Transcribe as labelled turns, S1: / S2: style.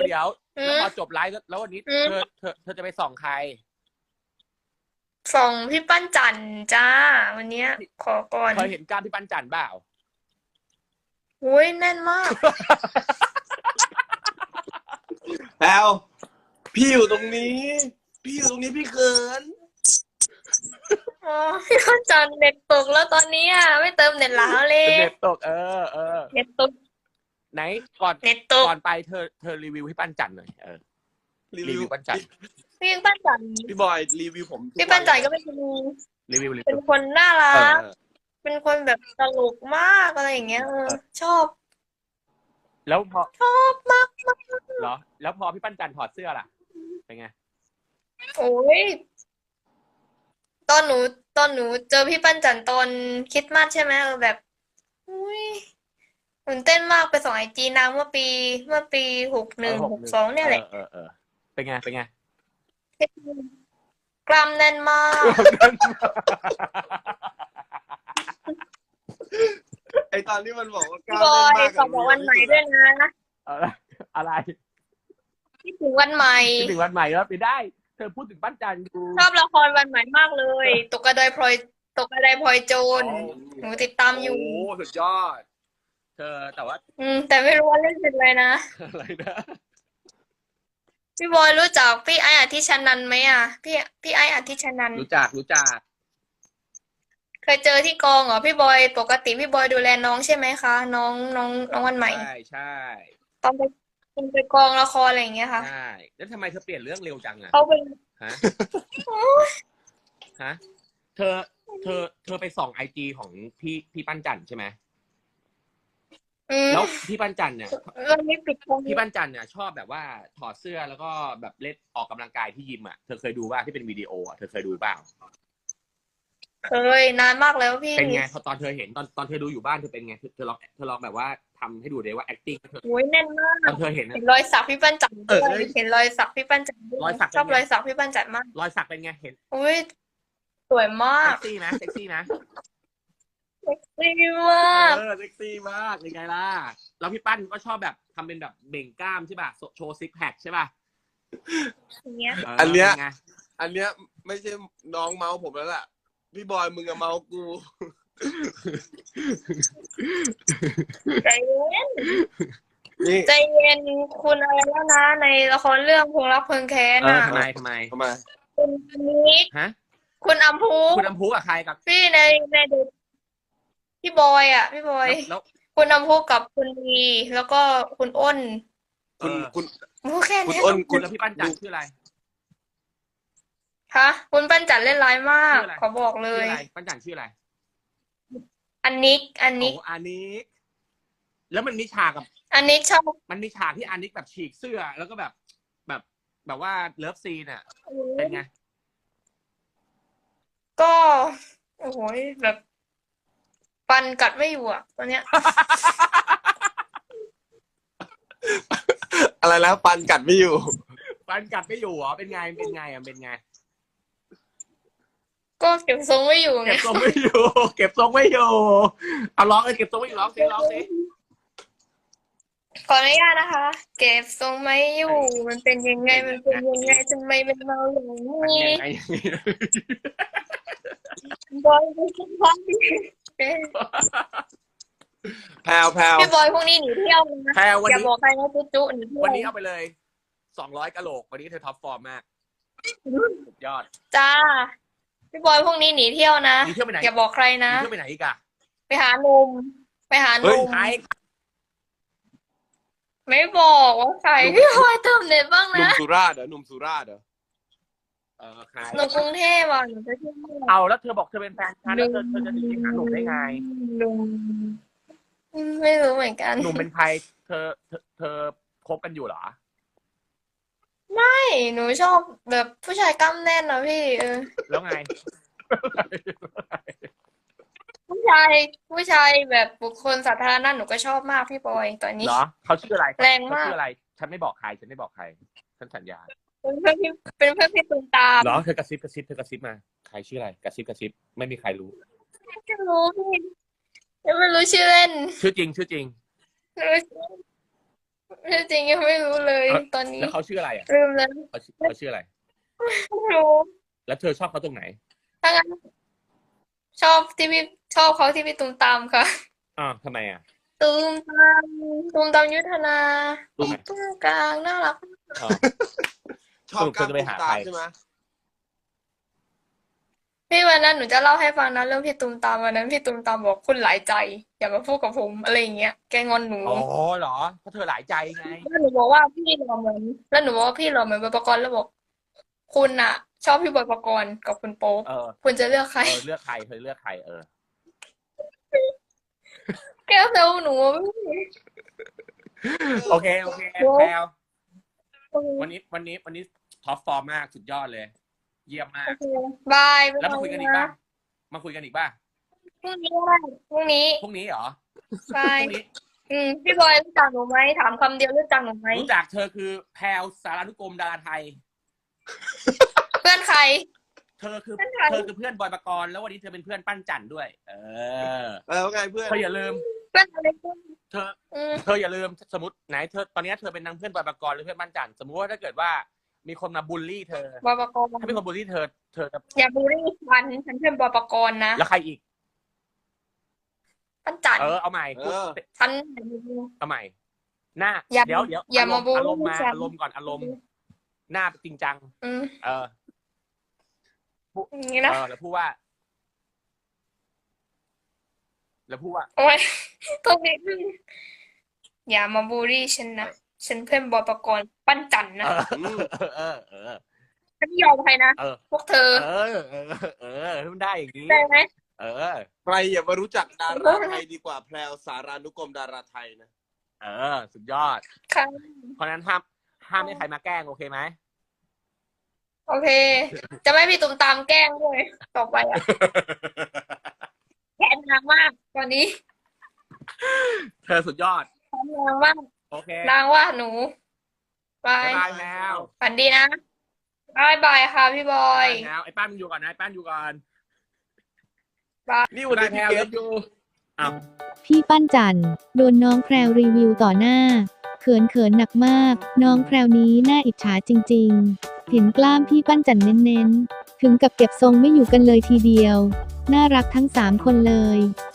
S1: แล้วพอจบไลฟ์แล้ววันนี้เธอจะไปส่องใคร
S2: ส่งพี่ปั้นจันจ้าวันเนี้ยขอก่อน
S1: เคยเห็นกล้ามพี่ปั้นจันเปล่า
S2: อุ้ยแน่นมาก
S3: แล้วพี่อยู่ตรงนี้พี่เขิน
S2: อ๋อพี่ปั้นจันเน็ตตกแล้วตอนนี้อ่ะไม่เติมเน็ตแล้วเลย
S1: เน็ตตก
S2: เน็ตตก
S1: ไหนก่อน
S2: เน็ตตก
S1: ก่อนไปเธอรีวิวพี่ปั้นจันหน่อยรีวิวปั้นจัน
S2: พี่ปั้นจัน
S3: พี่บอยรีวิวผม
S2: พี่ปั้นจันก็เป็นเป็นคนน่ารักเป็นคนแบบตลกมากอะไรอย่างเงี้ยชอบ
S1: แล้วพอ
S2: ชอบมากมาก
S1: เหรอแล้วพอพี่ปั้นจันถอดเสื้อล่ะเป็นไง
S2: โอ้ยตอนหนูเจอพี่ปั้นจันตอนคริสต์มาสใช่ไหมแบบอุ้ยตื่นเต้นมากไปส่องIGนางเมื่อปี61 62เนี่ยแหละ
S1: เป็นไง
S2: กล้ามแน่นมาก
S3: ไอตอนที่มันบอกว่ากล้า
S2: บอ
S3: แน่นมาก
S2: ยขอบอกวันใหม่ด้วยนะ
S1: อะไร
S2: คิดถึงวันใหม่
S1: คิดถึงวันใหม่แล้วไปได้เธอพูดถึงปั้นจันดู
S2: ชอบละครวันใหม่มากเลยตกกระไดพลอยโจรหนูติดตามอยู่
S1: โอ้สุดยอดเธอแต่ว่า
S2: แต่ไม่รู้ว่าเล่นเป็นอะไรนะ
S1: อะไรนะ
S2: พี่บอยรู้จักพี่ไออาทิชนันท์ไหมอ่ะพี่ไออาทิชนันท์
S1: รู้จัก
S2: เคยเจอที่กองเหรอพี่บอยปกติพี่บอยดูแลน้องใช่ไหมคะน้องวันใหม่
S1: ใช่
S2: ตอนไปกองละครอะไรอย่างเงี้ยค่ะ
S1: ใช่แล้วทำไมเธอเปลี่ยนเรื่องเร็วจังอ่ะ
S2: เขาเป็น
S1: ฮะฮะเธอไปส่องIGของพี่ปั้นจันใช่ไหมแล้วพี่ปั้นจันเนี่ยพี่ปั้นจันเนี่ยชอบแบบว่าถอดเสื้อแล้วก็แบบเล่นออกกำลังกายที่ยิมอ่ะเธอเคยดูว่าที่เป็นวิดีโออ่ะเธอเคยดูเปล่า
S2: เคยนานมากแล้วพี่
S1: เป็นไงพอตอนเธอเห็นตอนเธอดูอยู่บ้านเธอเป็นไงเธอลองแบบว่าทำให้ดูเลยว่า acting เธอ
S2: โอ้ยแน่นมาก
S1: ตอนเธอเห็น
S2: รอยสักพี่ปั้นจันด้วยเห็นรอยสักพี่ปั้นจันชอบรอยสักพี่ปั้นจันมาก
S1: รอยสักเป็นไงเห็น
S2: อุ้ยสวยมาก
S1: เซ็กซี่นะ
S2: เซ็กซี่มาก
S1: เซ็กซี่มากเป็นไงล่ะแล้วพี่ปั้นก็ชอบแบบทำเป็นแบบเบ่งกล้ามใช่ป่ะโชว์ซิกแพคใช่ป่ะ
S2: อย่างเงี้ย
S3: อันเนี้ยไม่ใช่น้องเมาส์ผมแล้วล่ะพี่บอยมึงอะเมาส์กู
S2: ใจเย็นใจเย็นคุณอะไรแล้วนะในละครเรื่องพงรักเพลิงแค้นอ่ะ
S1: ทำไม
S2: คุณนิกคุณอัมพู
S1: กับใครกับ
S2: พี่ในเด็กพี่บอยอ่ะพี่บอยคุณอัมพูกับคุณลีแล้วก็คุณอ้น
S3: คุณ
S2: แค่นี้
S1: คุณแล้วพี่ปั้นจันชื่ออะไร
S2: คะคุณปั้นจันเล่นร้ายมากขอบอกเลย
S1: ปั้นจันชื่ออะไร
S2: อันนิก
S1: แล้วมันมีฉากกับ
S2: อันนิกชอบ
S1: มันมีฉากที่อันนิกแบบฉีกเสื้อแล้วก็แบบว่าเลิฟซีนอ่ะเป็นไง
S2: ก็โอ้โหแบบฟันกัดไม่อยู่อ่ะตอนเนี้ย
S3: อะไรแล้วฟันกัดไม่อยู่
S1: เหรอเป็นไง
S2: ก็เก็บทรงไม่อยู่ไง
S1: เก็บทรงไม่อยู่เอาร้องเก็บทรงไม่อยู่ร้องสิ
S2: ขออนุญาตนะคะ เก็บทรงไม่อยู่มันเป็นยังไงทำไมมันเมาอย่างนี้บอยไม่ใช่พ่อพี่
S3: แพลว
S2: พี่บอยพวกนี้หนีเที่ยวนะอย่าบอกใครนะจุ๊หนีเที่ยว
S1: วันนี้เอาไปเลย200กะโหลกวันนี้เธอท็อปฟอร์มมากสุดยอด
S2: จ้าพี่บอยพวกนี้หนีเที่ยวนะอย่าบอกใครนะ
S1: หนีเที่ยวไปไหนอีกอะ
S2: ไปหาหนุ่มไม่บอกว่าใครพี่บอยเติมเน็ตบ้างนะ
S3: หนุ่มสุราษฎร์หนุ่ม
S1: ใคร
S2: หนุ่มกรุงเทพอ่ะหนูจะเที่ยว
S1: เอาแล้วเธอบอกเธอเป็นแฟนฉันแล้วเธอจะหนีไปหาหนุ่มได้ไง
S2: หนุ่มไม่รู้เหมือนกัน
S1: หนุ่มเป็นใครเธอคบกันอยู่เหรอ
S2: ไม่หนูชอบแบบผู้ชายกล้ามแน่นนะพี่
S1: แล้วไง
S2: ผู้ชายแบบบุคคลสาธารณะหนูก็ชอบมากพี่บอยตอนนี้
S1: เหรอเขาชื่ออะไร
S2: แรงมาก
S1: ชื่ออะไรฉันไม่บอกใครฉันสัญญา
S2: เป็นเพื่อนพี่ตูมตาม
S1: เหรอเธอกระซิบมาใครชื่ออะไรกระซิบไม่มีใครรู้
S2: ไม่รู้พี่ไม่รู้ชื่อเล่น
S1: ชื่อจริง
S2: จริงยังไม่รู้เลยตอนนี้
S1: แล้วเขาชื่ออะไรอ่ะ
S2: ลืมแล้ว
S1: เขาชื่ออะไร
S2: ไม่รู้
S1: แล้วเธอชอบเขาตรงไหน
S2: ถ้างั้นชอบชอบเขาที่พี่ตูมตามค่ะ
S1: ทำไมอ่ะ
S2: ตูมตามยุทธนา
S1: ตูมไหน
S2: ตุ้มกลางน่ารัก
S1: อ๋อ
S3: ชอบ
S1: สรุปเธอจะไปหาใคร
S3: ใช่ไหม
S2: พี่วันนั้นหนูจะเล่าให้ฟังนะเรื่องพี่ตูมตามวันนั้นพี่ตูมตามบอกคุณหลายใจ อย่ามาพูดกับผมอะไรอย่างเงี้ยแกงอนหนู
S1: อ๋อเหรอเพราะเธอหลายใจไง
S2: แล้วหนูบอกว่าพี่หล่อเหมือนแล้วหนูบอกว่าพี่หล่อเหมือนบอยปกรณ์แล้วบอก คุณอะชอบพี่บอยปกรณ์กับคุณโป๊ป
S1: เออ
S2: คุณจะเลือกใคร
S1: เลือกใครเธอเลือกใคร
S2: แกเซลหนู
S1: โอเคแพลววันนี้ท็อปฟอร์มมากสุดยอดเลย เยี่ยมมาก
S2: โอเคบาย
S1: แล้วมาคุยกันอีกป่ะมาคุยกันอีกป่ะ
S2: พรุ่งนี้ก็ได้พรุ่งนี้
S1: พรุ่งนี้เหรอ
S2: ใช่
S1: พรุ่งนี้
S2: พี่บอยรู้จักหนูไหมถามคำเดียวรู้จักหนูไหม
S1: รู้จักเธอคือแพลวสารานุกรมดาราไทย
S2: เพื่อนใคร
S1: เธอคือ
S2: เพื่อนใคร
S1: เพื่อนบอยปกรณ์แล้ววันนี้เธอเป็นเพื่อนปั้นจันด้วย
S3: แล้วไงเพื่อน
S1: เธออย่าลืม
S2: เพื่อนอะไรเพื่อน
S1: เธอ
S2: อืม
S1: เธออย่าลืมสมมติไหนเธอตอนนี้เธอเป็นนางเพื่อนบอยปกรณ์หรือเพื่อนปั้นจันสมมติว่าถ้าเกิดว่ามีคนมาบูลลี่เธอ
S2: บอยปกรณ์
S1: ถ้ามีคนบูลลี่เธอจะ
S2: อย่าบูลลี่ฉันเป็นบอยปกรณ์นะ
S1: แล้วใครอีก
S2: ปั้นจัน
S1: เอาใหม่
S2: ฉัน
S1: เอาใหม่ หน้า
S2: อย่า
S1: เดี๋ยว
S2: อย่ามาบูลลี่
S1: อารมณ์มา
S2: ฉัน
S1: อารมณ์ก่อนอารมณ์ หน้าจริงจัง เออ
S2: อย่างนี้นะ
S1: แล้วพูดว่า
S2: โอ้ยตรงนี้อย่ามาบูลลี่ฉันนะฉันเพื่อนบอยปกรณ์ปั้นจันนะฉันไม่ยอมใครนะ พวกเธอ
S1: มันได้อย่างนี้
S2: ได้ไหม
S3: ใครอย่ามารู้จักดาราไทยดีกว่าแพลวสารานุกรมดาราไทยนะ
S1: สุดยอด
S2: ค่ะ
S1: เพราะฉะนั้นห้ามให้ใครมาแกล้งโอเคไหม
S2: โอเค จะไม่มีตุ่มตามแกล้งด้วยต่อไปอ่ะแค้นนางมากตอนนี้
S1: เธอสุดยอด
S2: แค้นนางมาก
S1: โอเค
S2: นางว่าหนูบาย
S1: บายแมว
S2: ฝันดีนะบายบายค่ะพี่บอย
S1: แมวไอ้ป้านมึงอยู่ก่อนนะไอ้ป้านอยู่ก่อน
S3: นี่วันนี้
S1: แม
S3: พี่
S1: ว
S3: เก
S1: เลิ
S3: ด
S1: ฟยูอ้าว
S4: พี่ปั้นจันโดนน้องแพรวรีวิวต่อหน้า เขินหนักมาก น้องแพรวนี้น่าอิจฉาจริงๆ เห็นกล้ามพี่ปั้นจันเน้นๆ ถึงกับเก็บทรงไม่อยู่กันเลยทีเดียว น่ารักทั้ง3 คนเลย